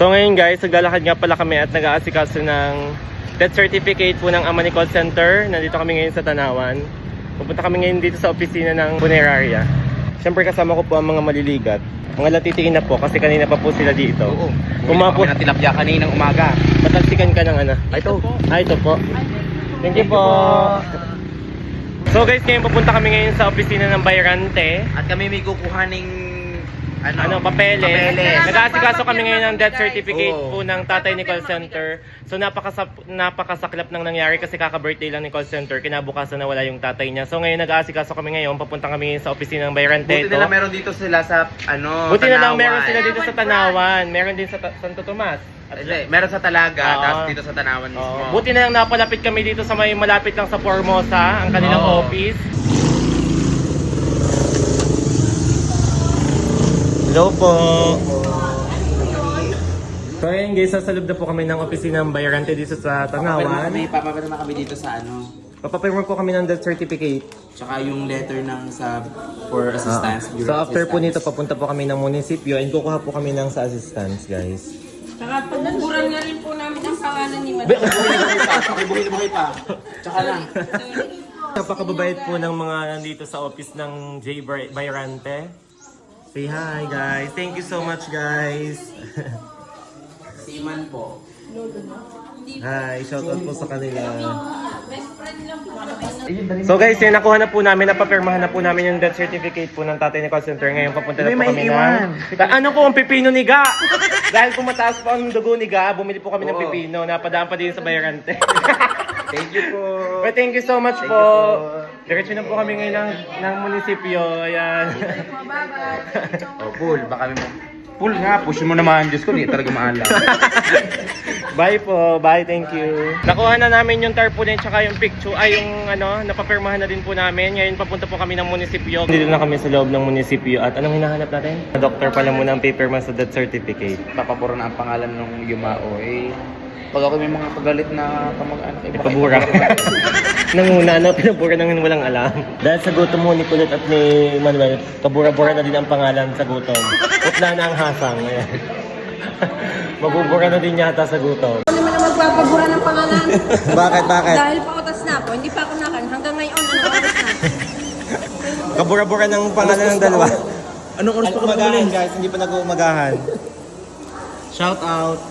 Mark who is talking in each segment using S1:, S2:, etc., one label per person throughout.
S1: So ngayon guys, naglalakad nga pala kami at nag-aasikaso ng death certificate po ng Amani Call Center. Nandito kami ngayon sa Tanawan. Pupunta kami ngayon dito sa opisina ng funeraria. Siyempre kasama ko po ang mga maliligat. Mga latitiin na po kasi kanina pa po sila dito.
S2: Oo.
S1: Pumapo
S2: ng tilapia kaninang umaga.
S1: Patalsikan ka ng ano. Ito po. Thank you po. So guys, ngayon pupunta kami ngayon sa opisina ng Bayrante.
S2: At kami may kukuhaning
S1: Papeles. Nag-aasikaso kami ngayon ng death certificate
S2: Oo.
S1: po ng tatay ni call center. So napakasaklap ng nangyari kasi kaka-birthday lang ni call center. Kinabukasan na wala yung tatay niya. So ngayon nag-aasikaso kami ngayon. Papunta kami sa opisina ng Bayrante.
S2: Buti na lang meron dito sila sa
S1: Buti na lang
S2: Tanawan.
S1: meron sila dito sa Tanawan. Meron din sa Santo Tomas.
S2: Hindi, meron sa Talaga,
S1: Oo.
S2: tapos dito sa Tanawan mismo.
S1: Oo. Buti na lang napalapit kami dito sa may malapit lang sa Formosa, ang kanilang
S2: Oo.
S1: office. Hello po. So ayun guys, sasalub na po kami ng opisina ng Bayrante dito sa Tanawan.
S2: Papapirma kami dito sa
S1: Papapirma po kami ng death certificate.
S2: tsaka yung letter ng for assistance.
S1: So after po nito, papunta po kami ng munisipyo and kukuha po kami ng sa assistance guys.
S3: Saka pagbuburan nga rin po namin ang pangalan ni Madam.
S2: Buhay pa. Tsaka lang.
S1: Napakababayad po ng mga nandito sa office ng J. Bayrante. Say hi guys. Thank you so much guys.
S2: Siman po.
S1: Hi, shoutout po sa kanila.
S3: Best friend lang po.
S1: So guys, yun, nakuha na po namin, napapirmahan na po namin yung death certificate po ng tatay ni call center. Ngayon papunta na po kami ng... Ano po ang pipino ni Ga? Dahil po mataas po ang dugo ni Ga, bumili po kami ng pipino. Napadaan pa din sa Bayrante.
S2: Thank you po.
S1: But thank you so much po. Diretso na po kami ngayon ng munisipyo. Ayan.
S2: Pool. Baka pool nga, push mo naman. Diyos ko, di talaga maalam.
S1: Bye po. Bye. Thank you. Nakuha na namin yung tarpaulin tsaka yung picture. Ay, yung napapirmahan na din po namin. Ngayon papunta po kami ng munisipyo. Dito na kami sa loob ng munisipyo. At anong hinahanap natin? Doktor pala muna ang paperma sa death certificate.
S2: Papapuro na ang pangalan ng Yumao. Pag ako may mga pagalit na kamag-anak,
S1: Ipabura. Nanguna na, pinabura nang walang alam. Dahil sa gutom mo ni Kulot at ni Manuel, kabura-bura na din ang pangalan sa gutom. Utla na ang hasang. Ayan. Mabubura na din yata sa gutom.
S3: Ano naman ang magpapabura ng pangalan?
S1: Bakit?
S3: Dahil pautas na ako, hindi pa ako nakan. Hanggang ngayon, ano oras na?
S1: Kabura-bura ng pangalan ng dalawa.
S2: Anong oras pa ka
S1: Umagahan guys, hindi pa nag-umagahan. Shout out.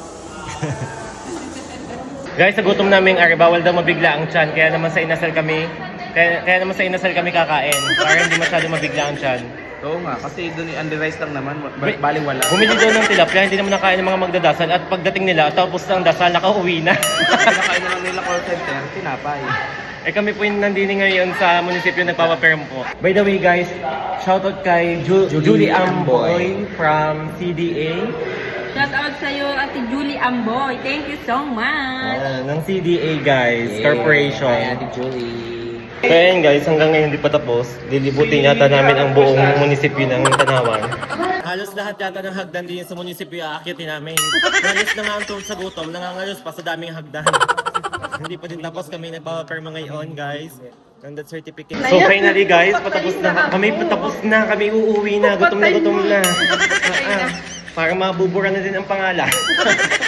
S1: Guys, sa gutom namin ari, bawal daw mabigla ang tiyan. Kaya naman sa inasal kami kakain. Para hindi masyado mabigla ang tiyan.
S2: Oo nga, kasi doon under-rice lang naman, bali wala.
S1: Bumili daw ng tilapia, hindi naman nakain ng mga magdadasal. At pagdating nila, tapos ng dasal, nakauwi na.
S2: Nakain na lang nila call center, tinapay.
S1: Eh kami po yung nandini ngayon sa munisipyo nagpapaperm po. By the way guys, shoutout kay Julie Amboy from CDA.
S3: Shout out sa'yo, Ate Julie Amboy. Thank you so much.
S1: Ng CDA guys, corporation.
S2: Hi, Ate Julie.
S1: So ayan guys, hanggang ngayon hindi pa tapos. Lilibutin yata namin ang buong munisipyo ng Tanawan. Halos lahat yata ng hagdan din sa munisipyo aakitin namin. Halos na nga ang tulad sa gutom, nangangalos pa sa daming hagdan. Hindi pa din tapos kami nagpapaperma ngayon guys. Ng that certificate. So finally guys, patapos na kami uuwi na, gutom na. Para mabubura na din ang pangalan.